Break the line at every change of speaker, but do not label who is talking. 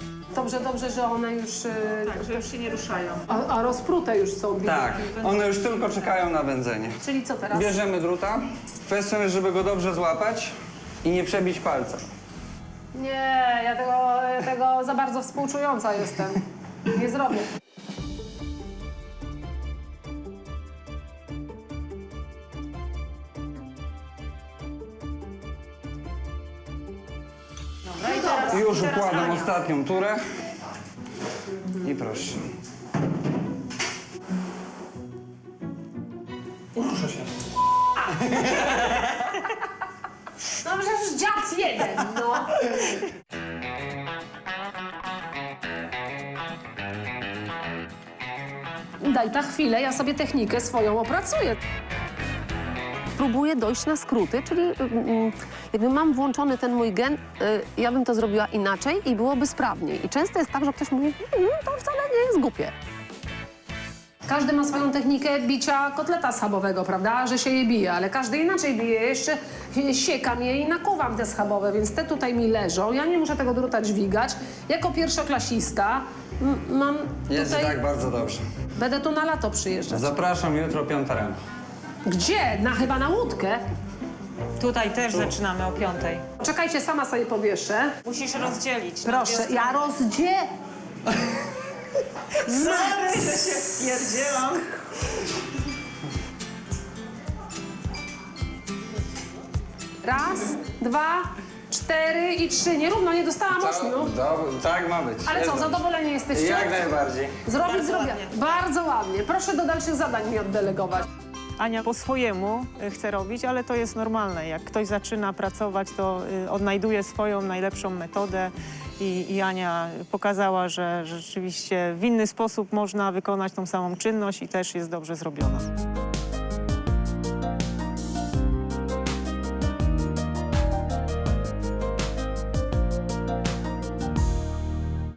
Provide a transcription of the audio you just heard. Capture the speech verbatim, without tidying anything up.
Dobrze, dobrze, że one już... Yy,
Tak, że już się nie ruszają.
a, a rozprute już są.
Tak, one już tylko czekają na wędzenie.
Czyli co teraz?
Bierzemy druta. Kwestią jest, żeby go dobrze złapać i nie przebić palca.
Nie, ja tego, ja tego za bardzo współczująca jestem. Nie zrobię.
Dobra, i teraz,
Już
i teraz
układam
Ania.
ostatnią turę. I proszę.
No przecież dziad jeden, no. Daj ta chwilę, ja sobie technikę swoją opracuję. Próbuję dojść na skróty, czyli mm, jakby mam włączony ten mój gen, y, ja bym to zrobiła inaczej i byłoby sprawniej. I często jest tak, że ktoś mówi, mm, to wcale nie jest głupie. Każdy ma swoją technikę bicia kotleta schabowego, prawda, że się je bije, ale każdy inaczej bije. Jeszcze siekam je i nakuwam te schabowe, więc te tutaj mi leżą. Ja nie muszę tego druta dźwigać. Jako pierwszoklasista m- mam
Jest
tutaj...
tak bardzo dobrze.
Będę tu na lato przyjeżdżać.
Zapraszam jutro piąta rano.
Gdzie? Na, chyba na łódkę?
Tutaj też zaczynamy o piątej.
Czekajcie, sama sobie powieszę.
Musisz rozdzielić. na
Proszę,
dwie
ja
strony.
rozdzie...
Sorry, że się spierdzielam.
Raz, dwa, cztery i trzy. Nierówno, nie dostałam ośmiu.
Do, tak ma być.
Ale
Jest
co,
dobrze.
zadowoleni jesteście?
Jak najbardziej.
Zrobić,
Bardzo
zrobię.
ładnie.
Bardzo ładnie. Proszę do dalszych zadań mi oddelegować.
Ania po swojemu y, chce robić, ale to jest normalne. Jak ktoś zaczyna pracować, to y, odnajduje swoją najlepszą metodę i, i Ania pokazała, że, że rzeczywiście w inny sposób można wykonać tą samą czynność i też jest dobrze zrobiona.